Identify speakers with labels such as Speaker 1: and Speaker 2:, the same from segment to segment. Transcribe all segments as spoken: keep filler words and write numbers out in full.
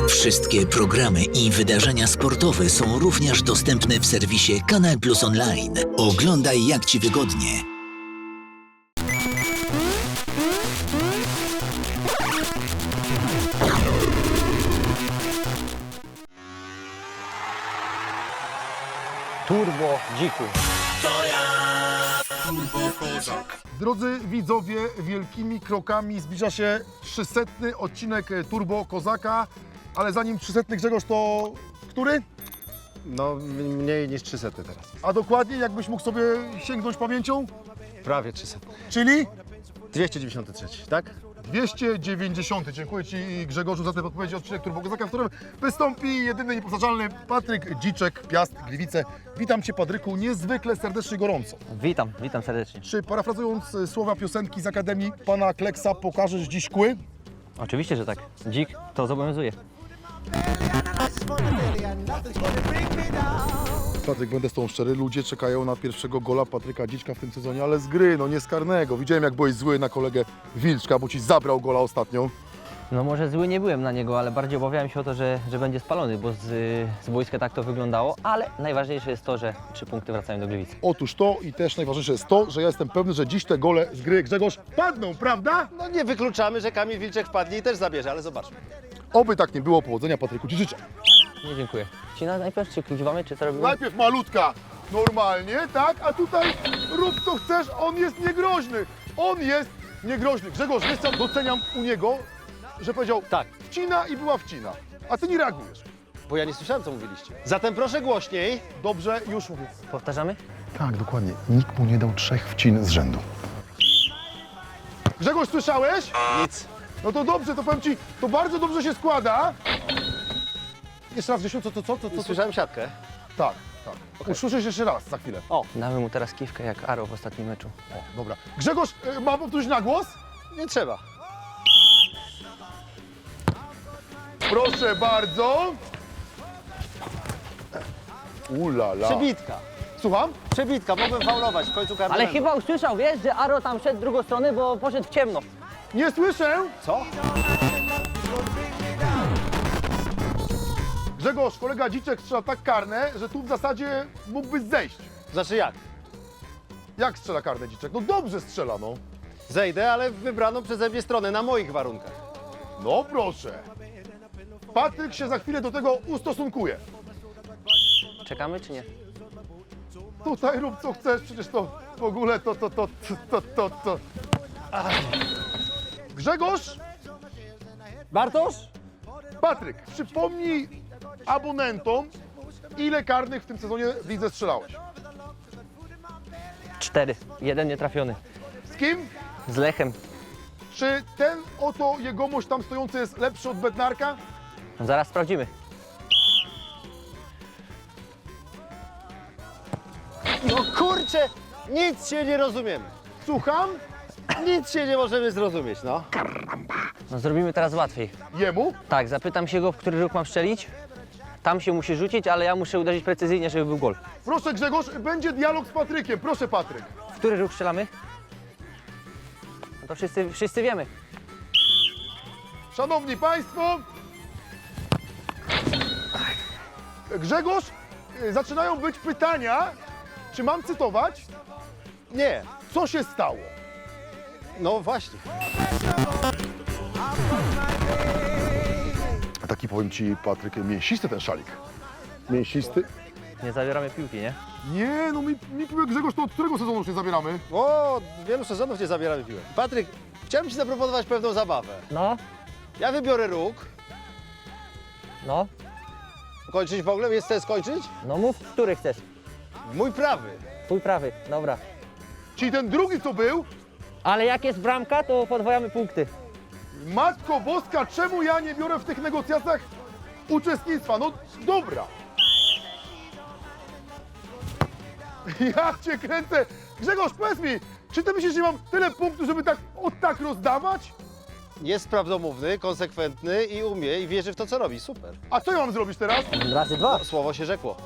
Speaker 1: Wszystkie programy i wydarzenia sportowe są również dostępne w serwisie Kanal Plus Online. Oglądaj jak Ci wygodnie.
Speaker 2: Turbo Dziku.
Speaker 3: Drodzy widzowie, wielkimi krokami zbliża się trzysetny odcinek Turbo Kozaka, ale zanim trzysetny, Grzegorz, to który?
Speaker 2: No mniej niż trzysta teraz.
Speaker 3: A dokładnie, jakbyś mógł sobie sięgnąć pamięcią?
Speaker 2: Prawie trzysta.
Speaker 3: Czyli
Speaker 2: dwieście dziewięćdziesiąty trzeci, tak?
Speaker 3: dwieście dziewięćdziesiąty. Dziękuję Ci, Grzegorzu, za te podpowiedzi. Odcinek Turbo Kozaka, w którym wystąpi jedyny niepowtarzalny Patryk Dziczek, Piast, Gliwice. Witam Cię, Patryku, niezwykle serdecznie gorąco.
Speaker 4: Witam, witam serdecznie.
Speaker 3: Czy parafrazując słowa piosenki z Akademii pana Kleksa, pokażesz dziś kły?
Speaker 4: Oczywiście, że tak. Dzik to zobowiązuje.
Speaker 3: Patryk, będę z Tobą szczery, ludzie czekają na pierwszego gola Patryka Dziczka w tym sezonie, ale z gry, no nie z karnego. Widziałem, jak byłeś zły na kolegę Wilczka, bo Ci zabrał gola ostatnio.
Speaker 4: No może zły nie byłem na niego, ale bardziej obawiałem się o to, że, że będzie spalony, bo z, z boiska tak to wyglądało, ale najważniejsze jest to, że trzy punkty wracają do Gliwic.
Speaker 3: Otóż to i też najważniejsze jest to, że ja jestem pewny, że dziś te gole z gry, Grzegorz, padną, prawda?
Speaker 2: No nie wykluczamy, że Kamil Wilczek wpadnie i też zabierze, ale zobaczmy.
Speaker 3: Oby tak nie było, powodzenia Patryku Ci życzę.
Speaker 4: Nie, dziękuję. Ci na, najpierw czy kliwamy, czy co robimy?
Speaker 3: Najpierw malutka, normalnie, tak? A tutaj rób co chcesz, on jest niegroźny. On jest niegroźny. Grzegorz, wiesz co, doceniam u niego, że powiedział
Speaker 2: Tak.
Speaker 3: wcina i była wcina. A Ty nie reagujesz.
Speaker 2: Bo ja nie słyszałem, co mówiliście. Zatem proszę głośniej.
Speaker 3: Dobrze, już mówię.
Speaker 4: Powtarzamy?
Speaker 3: Tak, dokładnie. Nikt mu nie dał trzech wcin z rzędu. Grzegorz, słyszałeś?
Speaker 2: Nic.
Speaker 3: No to dobrze, to powiem Ci, to bardzo dobrze się składa. Jeszcze raz, Grzesiu, co, co, co, co, co?
Speaker 2: Słyszałem siatkę.
Speaker 3: Tak, tak. Usłyszysz jeszcze raz za chwilę.
Speaker 2: O,
Speaker 4: Damy mu teraz kiwkę jak Aro w ostatnim meczu.
Speaker 3: O, dobra. Grzegorz, y, mam powtórzyć na głos?
Speaker 2: nie trzeba.
Speaker 3: Proszę bardzo. Ulala.
Speaker 2: Przebitka.
Speaker 3: Słucham?
Speaker 2: Przebitka, mogłem faulować w końcu karnego.
Speaker 4: Ale chyba usłyszał, wiesz, że Aro tam szedł w drugą stronę, bo poszedł w ciemno.
Speaker 3: Nie słyszę.
Speaker 2: Co?
Speaker 3: Grzegorz, kolega Dziczek strzela tak karne, że tu w zasadzie mógłbyś zejść.
Speaker 2: Znaczy jak?
Speaker 3: Jak strzela karne Dziczek? No dobrze strzela, no.
Speaker 2: Zejdę, ale w wybraną przeze mnie stronę, na moich warunkach.
Speaker 3: No proszę. Patryk się za chwilę do tego ustosunkuje.
Speaker 4: Czekamy czy nie?
Speaker 3: Tutaj rób co chcesz, przecież to w ogóle to, to, to, to, to, to. Ach. Grzegorz,
Speaker 2: Bartosz?
Speaker 3: Patryk, przypomnij abonentom, ile karnych w tym sezonie w lidze strzelałeś.
Speaker 4: Cztery. Jeden nietrafiony.
Speaker 3: Z kim?
Speaker 4: Z Lechem.
Speaker 3: Czy ten oto jegomość tam stojący jest lepszy od Bednarka?
Speaker 4: No zaraz sprawdzimy.
Speaker 2: No kurczę, nic się nie rozumiemy.
Speaker 3: Słucham?
Speaker 2: Nic się nie możemy zrozumieć, no.
Speaker 4: No zrobimy teraz łatwiej.
Speaker 3: Jemu?
Speaker 4: Tak, zapytam się go, w który ruch mam strzelić. Tam się musi rzucić, ale ja muszę uderzyć precyzyjnie, żeby był gol.
Speaker 3: Proszę Grzegorz, będzie dialog z Patrykiem. Proszę Patryk.
Speaker 4: W który ruch strzelamy? No to wszyscy, wszyscy wiemy.
Speaker 3: Szanowni Państwo, Grzegorz, y, zaczynają być pytania, czy mam cytować,
Speaker 2: Nie.
Speaker 3: co się stało.
Speaker 2: No właśnie.
Speaker 3: A taki, powiem Ci, Patryk, mięsisty ten szalik. Mięsisty?
Speaker 4: Nie zabieramy piłki, nie?
Speaker 3: Nie, no mi, mi piłek, Grzegorz, to od którego sezonu już nie zabieramy?
Speaker 2: O, wielu sezonów nie zabieramy piłek. Patryk, chciałem Ci zaproponować pewną zabawę.
Speaker 4: No,
Speaker 2: Ja wybiorę róg.
Speaker 4: no,
Speaker 2: Kończyć w ogóle? Jest chcesz skończyć?
Speaker 4: no mów, który chcesz.
Speaker 2: Mój prawy.
Speaker 4: Twój prawy, dobra.
Speaker 3: Czyli ten drugi, co był,
Speaker 4: Ale jak jest bramka, to podwajamy punkty.
Speaker 3: Matko Boska, czemu ja nie biorę w tych negocjacjach uczestnictwa? No dobra. Ja Cię kręcę. Grzegorz, powiedz mi, czy Ty myślisz, że mam tyle punktów, żeby tak od tak rozdawać?
Speaker 2: Jest prawdomówny, konsekwentny i umie i wierzy w to, co robi. Super.
Speaker 3: A co ja mam zrobić teraz?
Speaker 4: Razy dwa.
Speaker 2: Słowo się rzekło.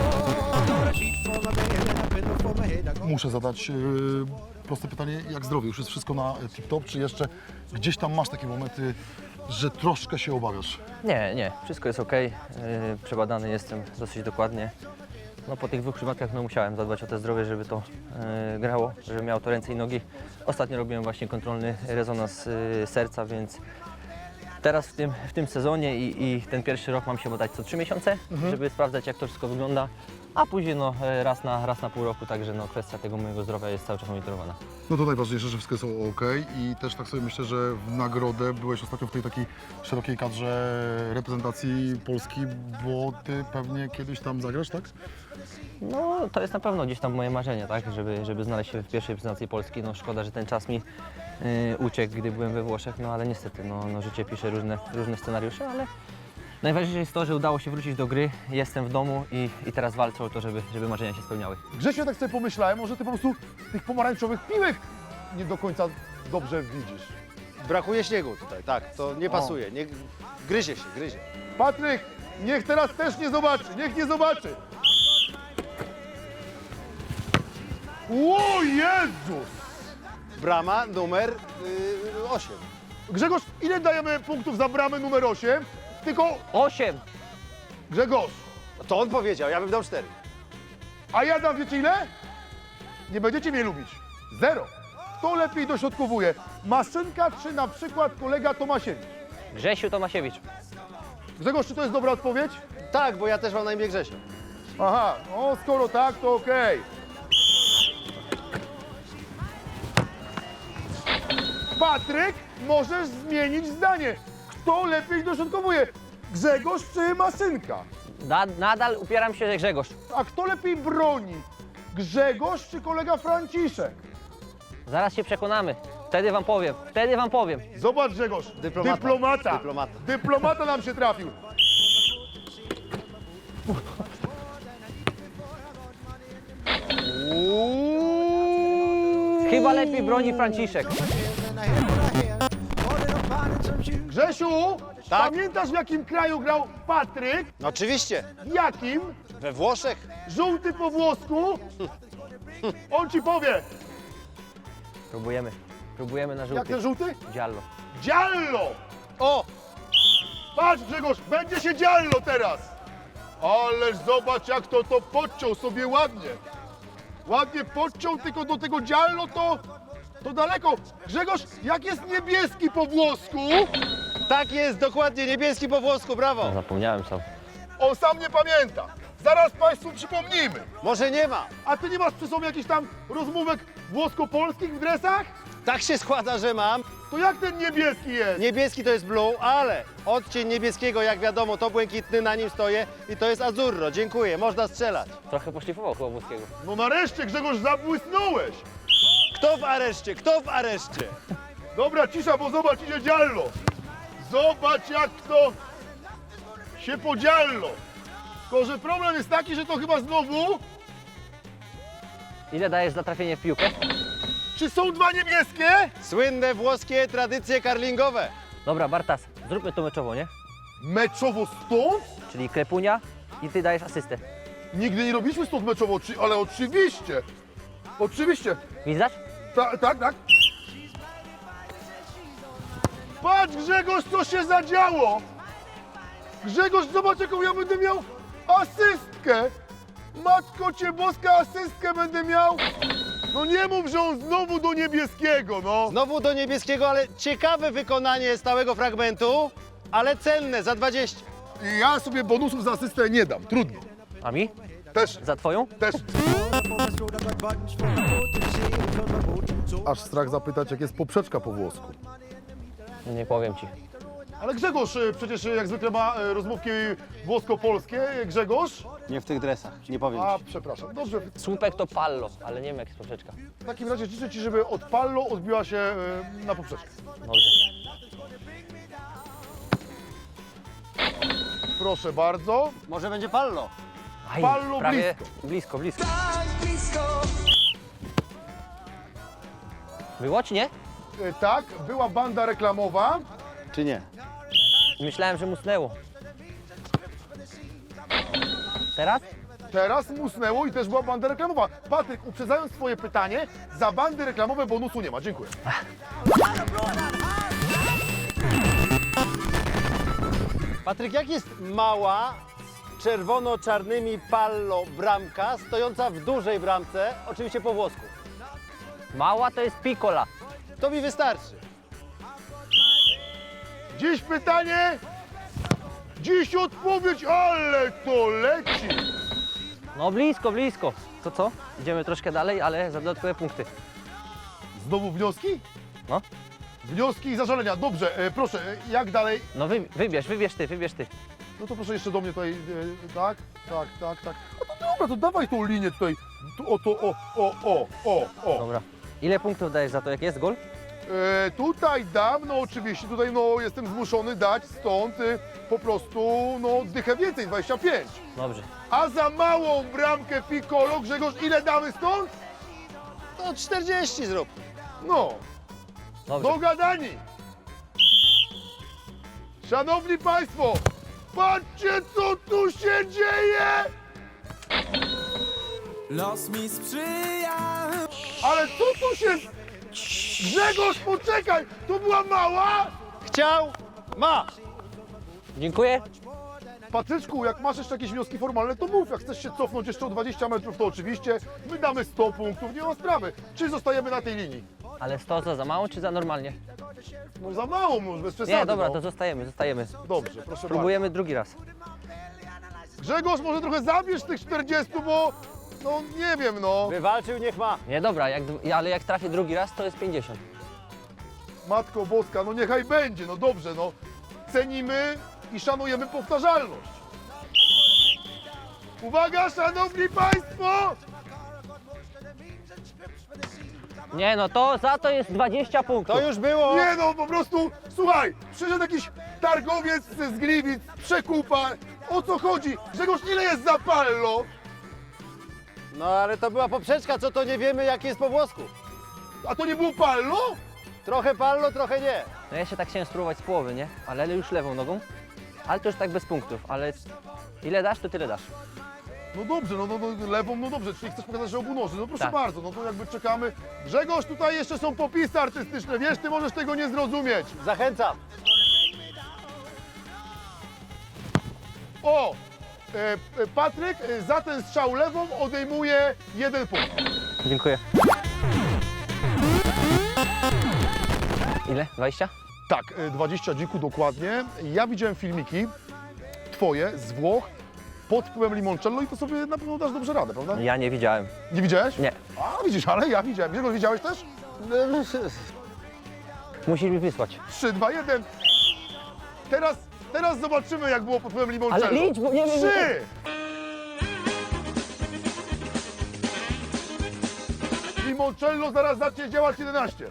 Speaker 3: Muszę zadać yy, proste pytanie, jak zdrowie? Już jest wszystko na tip-top, czy jeszcze gdzieś tam masz takie momenty że troszkę się obawiasz?
Speaker 4: Nie, nie, wszystko jest ok. Yy, przebadany jestem dosyć dokładnie. No, po tych dwóch przypadkach no, musiałem zadbać o to zdrowie, żeby to yy, grało, żeby miało to ręce i nogi. Ostatnio robiłem właśnie kontrolny rezonans yy, serca, więc teraz w tym, w tym sezonie i, i ten pierwszy rok mam się badać co trzy miesiące, żeby sprawdzać, jak to wszystko wygląda, a później no, yy, raz, na, raz na pół roku, także no, kwestia tego mojego zdrowia jest cały czas monitorowana.
Speaker 3: No to najważniejsze, że wszystko jest ok i też tak sobie myślę, że w nagrodę byłeś ostatnio w tej takiej szerokiej kadrze reprezentacji Polski, bo ty pewnie kiedyś tam zagrasz, tak?
Speaker 4: No, to jest na pewno gdzieś tam moje marzenie, tak? Żeby, żeby znaleźć się w pierwszej reprezentacji Polski. No, szkoda, że ten czas mi yy, uciekł, gdy byłem we Włoszech, no ale niestety, no, no, życie pisze różne, różne scenariusze, ale najważniejsze jest to, że udało się wrócić do gry, jestem w domu i, i teraz walczę o to, żeby, żeby marzenia się spełniały.
Speaker 3: Grzesiu, ja tak sobie pomyślałem, może ty po prostu tych pomarańczowych piłek nie do końca dobrze widzisz.
Speaker 2: Brakuje śniegu tutaj, tak, to nie pasuje, nie, gryzie się, gryzie.
Speaker 3: Patryk, niech teraz też nie zobaczy, niech nie zobaczy. O Jezus!
Speaker 2: Brama numer yy, osiem.
Speaker 3: Grzegorz, ile dajemy punktów za bramę numer osiem? Tylko
Speaker 4: Osiem!
Speaker 3: Grzegorz,
Speaker 2: To on powiedział, ja bym dał cztery.
Speaker 3: a ja dam wiecie ile? Nie będziecie mnie lubić. Zero. Kto lepiej dośrodkowuje? Maszynka czy na przykład kolega Tomasiewicz?
Speaker 4: Grzesiu Tomasiewicz.
Speaker 3: Grzegorz, czy to jest dobra odpowiedź?
Speaker 2: Tak, bo ja też mam na imię Grzesio.
Speaker 3: Aha, no skoro tak, to okej. Patryk, możesz zmienić zdanie. Kto lepiej dośrodkowuje? Grzegorz czy Maszynka?
Speaker 4: Da, nadal upieram się, że Grzegorz.
Speaker 3: A kto lepiej broni? Grzegorz czy kolega Franciszek?
Speaker 4: Zaraz się przekonamy. Wtedy wam powiem, wtedy wam powiem.
Speaker 3: Zobacz Grzegorz,
Speaker 2: Dyplomata.
Speaker 3: dyplomata,
Speaker 2: Dyplomata.
Speaker 3: Dyplomata nam się trafił.
Speaker 4: Chyba lepiej broni Franciszek.
Speaker 3: Grzesiu,
Speaker 2: Tak?
Speaker 3: pamiętasz w jakim kraju grał Patryk?
Speaker 2: No oczywiście,
Speaker 3: Jakim?
Speaker 2: we Włoszech.
Speaker 3: Żółty po włosku? On ci powie.
Speaker 4: Próbujemy, próbujemy na
Speaker 3: Jak
Speaker 4: żółty.
Speaker 3: ten żółty?
Speaker 4: Giallo.
Speaker 3: Giallo!
Speaker 2: O,
Speaker 3: Patrz Grzegorz, będzie się Giallo teraz. Ależ zobacz jak to to podciął sobie ładnie. Ładnie podciął, tylko do tego Giallo to, to daleko. Grzegorz, jak jest niebieski po włosku?
Speaker 2: tak jest, dokładnie, niebieski po włosku, brawo.
Speaker 4: No, zapomniałem sam.
Speaker 3: On sam nie pamięta. Zaraz Państwu przypomnimy.
Speaker 2: Może nie ma.
Speaker 3: A Ty nie masz przy sobie jakichś tam rozmówek włosko-polskich w dresach?
Speaker 2: Tak się składa, że mam.
Speaker 3: To jak ten niebieski jest?
Speaker 2: Niebieski to jest blue, ale odcień niebieskiego, jak wiadomo, to błękitny, na nim stoję i to jest azzurro. Dziękuję, można strzelać.
Speaker 4: Trochę poszlifował chyba włoskiego.
Speaker 3: No nareszcie Grzegorz zabłysnąłeś.
Speaker 2: Kto w areszcie? Kto w areszcie?
Speaker 3: Dobra, cisza, bo zobacz, idzie Giallo. Zobacz jak to się podziallo. Tylko, że problem jest taki, że to chyba znowu...
Speaker 4: Ile dajesz za trafienie w piłkę?
Speaker 3: Czy są dwa niebieskie?
Speaker 2: Słynne włoskie tradycje karlingowe.
Speaker 4: Dobra, Bartas, zróbmy to meczowo, nie?
Speaker 3: Meczowo stąd?
Speaker 4: Czyli klepunia i ty dajesz asystę.
Speaker 3: Nigdy nie robiliśmy stąd meczowo, czy- ale oczywiście. Oczywiście.
Speaker 4: Widać?
Speaker 3: Ta, tak, tak. Patrz Grzegorz, co się zadziało. Grzegorz, zobacz jaką ja będę miał asystkę. Matko Cię boska, asystkę będę miał. No nie mów, że on znowu do niebieskiego, no.
Speaker 2: Znowu do niebieskiego, ale ciekawe wykonanie stałego fragmentu, ale cenne, za dwadzieścia.
Speaker 3: Ja sobie bonusów za asystę nie dam, trudno.
Speaker 4: A mi?
Speaker 3: Też,
Speaker 4: Za twoją?
Speaker 3: też. Aż strach zapytać, jak jest poprzeczka po włosku.
Speaker 4: Nie powiem ci.
Speaker 3: Ale Grzegorz y, przecież y, jak zwykle ma y, rozmówki włosko-polskie. Grzegorz?
Speaker 2: Nie w tych dresach, nie powiem
Speaker 3: A,
Speaker 2: ci.
Speaker 3: przepraszam. Dobrze,
Speaker 4: Słupek to pallo, ale nie wiem jak jest poprzeczka.
Speaker 3: w takim razie życzę Ci, żeby od pallo odbiła się y, na poprzeczkę.
Speaker 4: Dobrze.
Speaker 3: Proszę bardzo.
Speaker 2: Może będzie pallo.
Speaker 4: Aj,
Speaker 3: Pallo
Speaker 4: prawie blisko, blisko. Było czy nie?
Speaker 3: Y, tak, była banda reklamowa.
Speaker 2: Czy nie?
Speaker 4: Myślałem, że musnęło. Teraz?
Speaker 3: Teraz musnęło i też była banda reklamowa. Patryk, uprzedzając Twoje pytanie, za bandy reklamowe bonusu nie ma. Dziękuję.
Speaker 2: Patryk, jak jest mała, z czerwono-czarnymi pallo bramka, stojąca w dużej bramce, oczywiście po włosku?
Speaker 4: Mała to jest piccola.
Speaker 2: To mi wystarczy.
Speaker 3: Dziś pytanie, dziś odpowiedź, ale to leci.
Speaker 4: No blisko, blisko. To co? Idziemy troszkę dalej, ale za dodatkowe punkty.
Speaker 3: Znowu wnioski?
Speaker 4: No,
Speaker 3: Wnioski i zażalenia. Dobrze, e, proszę, e, jak dalej?
Speaker 4: no wy, wybierz, wybierz ty, wybierz ty.
Speaker 3: No to proszę jeszcze do mnie tutaj, e, tak, tak, tak, tak. No to dobra, to dawaj tą linię tutaj. Tu, o, to, o, o, o, o, o.
Speaker 4: Dobra. Ile punktów dajesz za to, jak jest gol?
Speaker 3: E, tutaj dam, no oczywiście, tutaj no jestem zmuszony dać stąd e, po prostu, no dychę więcej, dwadzieścia pięć.
Speaker 4: Dobrze.
Speaker 3: A za małą bramkę Piccolo, Grzegorz, ile damy stąd?
Speaker 2: To czterdzieści zrób.
Speaker 3: No,
Speaker 4: Dobrze.
Speaker 3: dogadani. Szanowni Państwo, patrzcie co tu się dzieje!
Speaker 5: Los mi sprzyja.
Speaker 3: Ale co tu się... Grzegorz, poczekaj! To była mała?
Speaker 2: Chciał, ma.
Speaker 4: Dziękuję.
Speaker 3: Patryczku, jak masz jeszcze jakieś wnioski formalne, to mów. Jak chcesz się cofnąć jeszcze o dwadzieścia metrów, to oczywiście my damy sto punktów, nie ma sprawy. Czy zostajemy na tej linii?
Speaker 4: Ale sto za, za mało czy za normalnie?
Speaker 3: No za mało, może bez przesady.
Speaker 4: Nie, dobra,
Speaker 3: no.
Speaker 4: to zostajemy, zostajemy.
Speaker 3: Dobrze, proszę
Speaker 4: Próbujemy drugi raz.
Speaker 3: bardzo. Grzegorz, może trochę zabierz tych czterdziestu, bo... No nie wiem, no.
Speaker 2: Wywalczył, niech ma.
Speaker 4: Nie, dobra, jak, ale jak trafię drugi raz, to jest pięćdziesiąt.
Speaker 3: Matko Boska, no niechaj będzie, no dobrze, no. Cenimy i szanujemy powtarzalność. Uwaga, szanowni państwo!
Speaker 4: Nie, no to za to jest dwadzieścia punktów.
Speaker 2: To już było.
Speaker 3: Nie no, po prostu, słuchaj, przyszedł jakiś targowiec z Gliwic, przekupa. O co chodzi? Grzegorz, ile jest za pallo?
Speaker 2: No ale to była poprzeczka, co to nie wiemy, jak jest po włosku.
Speaker 3: A to nie było pallo?
Speaker 2: Trochę pallo, trochę nie.
Speaker 4: No ja się tak chciałem spróbować z połowy, nie? Ale już lewą nogą. Ale to już tak bez punktów, ale ile dasz, to tyle dasz.
Speaker 3: No dobrze, no, no, no lewą, no dobrze, czyli chcesz pokazać, że obu noży. No proszę
Speaker 4: Tak.
Speaker 3: bardzo, no to jakby czekamy. Grzegorz, tutaj jeszcze są popisy artystyczne, wiesz, ty możesz tego nie zrozumieć.
Speaker 2: Zachęcam.
Speaker 3: O! E, e, Patryk e, za ten strzał lewą odejmuje jeden punkt.
Speaker 4: Dziękuję. Ile? dwadzieścia?
Speaker 3: Tak, e, dwadzieścia dziku dokładnie. Ja widziałem filmiki twoje z Włoch pod wpływem limoncello i to sobie na pewno dasz dobrze radę, prawda?
Speaker 4: Ja nie widziałem.
Speaker 3: Nie widziałeś?
Speaker 4: Nie.
Speaker 3: A widzisz, ale ja widziałem. Grzegorz, widziałeś też?
Speaker 4: Musisz mi wysłać.
Speaker 3: trzy, dwa, jeden. Teraz, teraz zobaczymy, jak było pod wpływem limoncello.
Speaker 4: Ale licz, bo nie wiem...
Speaker 3: Trzy! Limoncello zaraz zacznie działać jedenaście.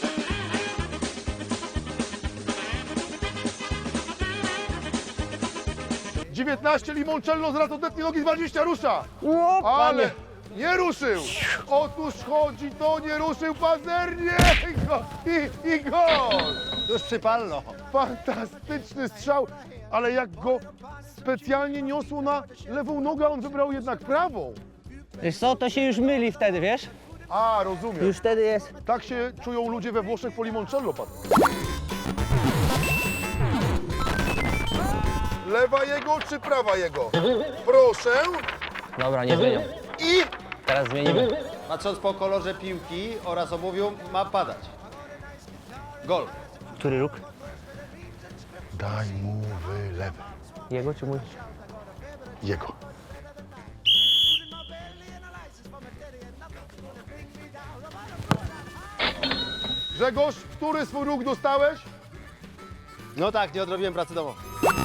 Speaker 3: dziewiętnaście limoncello zaraz odetnie nogi, dwadzieścia rusza.
Speaker 4: O,
Speaker 3: Ale
Speaker 4: panie.
Speaker 3: nie ruszył. Otóż chodzi, to nie ruszył pazernie i, go, i, i gol.
Speaker 2: Już przy pallo.
Speaker 3: Fantastyczny strzał, ale jak go specjalnie niosło na lewą nogę, on wybrał jednak prawą.
Speaker 4: Wiesz co, to się już myli wtedy, wiesz?
Speaker 3: A, rozumiem.
Speaker 4: Już wtedy jest...
Speaker 3: Tak się czują ludzie we Włoszech po limoncello, Patryk. Lewa jego czy prawa jego? Proszę.
Speaker 4: Dobra, nie zmienią.
Speaker 3: I
Speaker 4: Teraz zmienimy.
Speaker 2: Patrząc po kolorze piłki oraz obuwiu, ma padać. Gol.
Speaker 4: Który róg?
Speaker 3: daj mu wylewę.
Speaker 4: Jego czy mój?
Speaker 3: Jego. Grzegorz, który swój róg dostałeś?
Speaker 2: No tak, nie odrobiłem pracy domowej.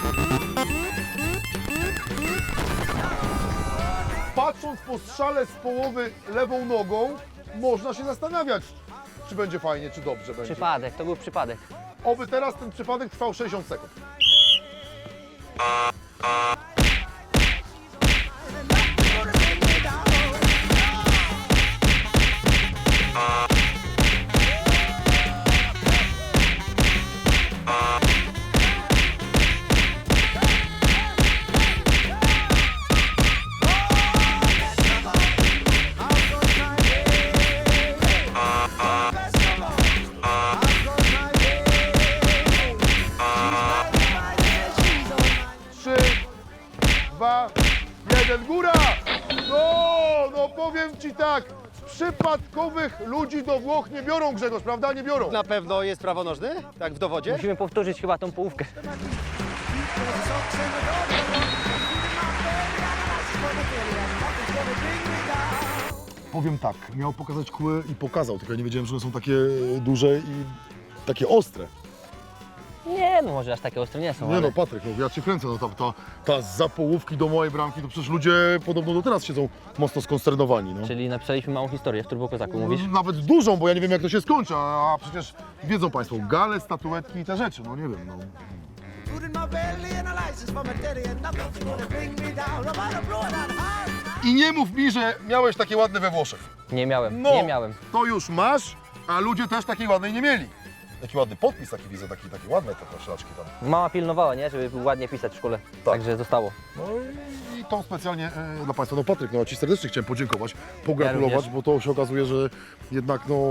Speaker 3: Patrząc po strzale z połowy lewą nogą, można się zastanawiać, czy będzie fajnie, czy dobrze będzie.
Speaker 4: Przypadek, to był przypadek.
Speaker 3: Oby teraz ten przypadek trwał sześćdziesiąt sekund. dwa, jeden, góra! No, no powiem Ci tak, przypadkowych ludzi do Włoch nie biorą, Grzegorz, prawda? Nie biorą.
Speaker 2: Na pewno jest prawonożny, tak w dowodzie?
Speaker 4: Musimy powtórzyć chyba tą połówkę.
Speaker 3: Powiem tak, miał pokazać kły i pokazał, tylko ja nie wiedziałem, że one są takie duże i takie ostre.
Speaker 4: Nie, no może aż takie ostre nie są,
Speaker 3: Nie
Speaker 4: ale...
Speaker 3: no, Patryk, no, ja Cię kręcę, no ta, ta, ta z zapołówki do mojej bramki, to przecież ludzie podobno do teraz siedzą mocno skonsternowani, no.
Speaker 4: Czyli napisaliśmy małą historię w Turbo Kozaku, mówisz?
Speaker 3: Nawet dużą, bo ja nie wiem jak to się skończy, a przecież wiedzą Państwo, gale, statuetki i te rzeczy, no nie wiem, no.
Speaker 5: Food in my belly and a license from a daddy and nothing's gonna bring me down. I'm gonna blow it out high.
Speaker 3: I nie mów mi, że miałeś takie ładne we Włoszech.
Speaker 4: Nie miałem,
Speaker 3: No,
Speaker 4: nie miałem.
Speaker 3: to już masz, a ludzie też takiej ładnej nie mieli. Jaki ładny podpis taki widzę, taki, takie ładne te szlaczki tam.
Speaker 4: Mama pilnowała, nie? Żeby ładnie pisać w szkole,
Speaker 3: Tak.
Speaker 4: także zostało.
Speaker 3: No i to specjalnie e, dla Państwa. No Patryk, no ja Ci serdecznie chciałem podziękować, pogratulować,
Speaker 4: również.
Speaker 3: bo to się okazuje, że jednak no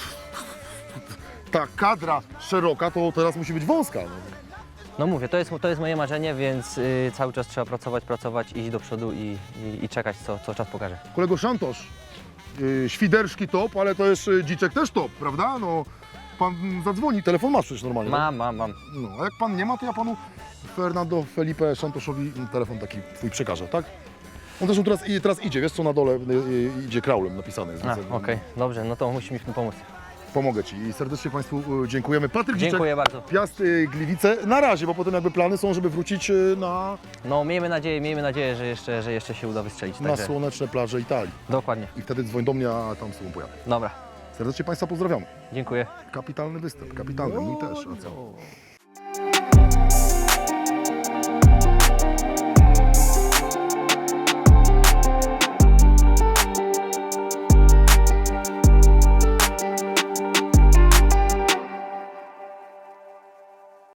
Speaker 3: ta kadra szeroka to teraz musi być wąska. No.
Speaker 4: No mówię, to jest, to jest moje marzenie, więc y, cały czas trzeba pracować, pracować, iść do przodu i, i, i czekać, co, co czas pokaże.
Speaker 3: Kolego Szantosz, yy, świderszki top, ale to jest y, dziczek też top, prawda? No Pan zadzwoni, telefon masz przecież normalnie.
Speaker 4: Mam, mam, mam.
Speaker 3: No, a jak Pan nie ma, to ja Panu Fernando Felipe Szantoszowi telefon taki Twój przekażę, tak? On zresztą teraz, i- teraz idzie, wiesz co na dole y, y, idzie kraulem napisane. jest,
Speaker 4: A,
Speaker 3: więc,
Speaker 4: okej, dobrze, no to musi mi w tym pomóc.
Speaker 3: Pomogę Ci i serdecznie Państwu y, dziękujemy. Patryk Dziczek,
Speaker 4: Dziękuję bardzo.
Speaker 3: Piast y, Gliwice, na razie, bo potem jakby plany są, żeby wrócić y, na,
Speaker 4: No miejmy nadzieję, miejmy nadzieję, że jeszcze, że jeszcze się uda wystrzelić.
Speaker 3: na
Speaker 4: Także,
Speaker 3: słoneczne plaże Italii.
Speaker 4: dokładnie,
Speaker 3: I wtedy dzwoń do mnie, a tam z Tobą pojadę.
Speaker 4: dobra,
Speaker 3: Serdecznie Państwa pozdrawiam.
Speaker 4: dziękuję.
Speaker 3: Kapitalny występ, kapitalny, mój też. A co?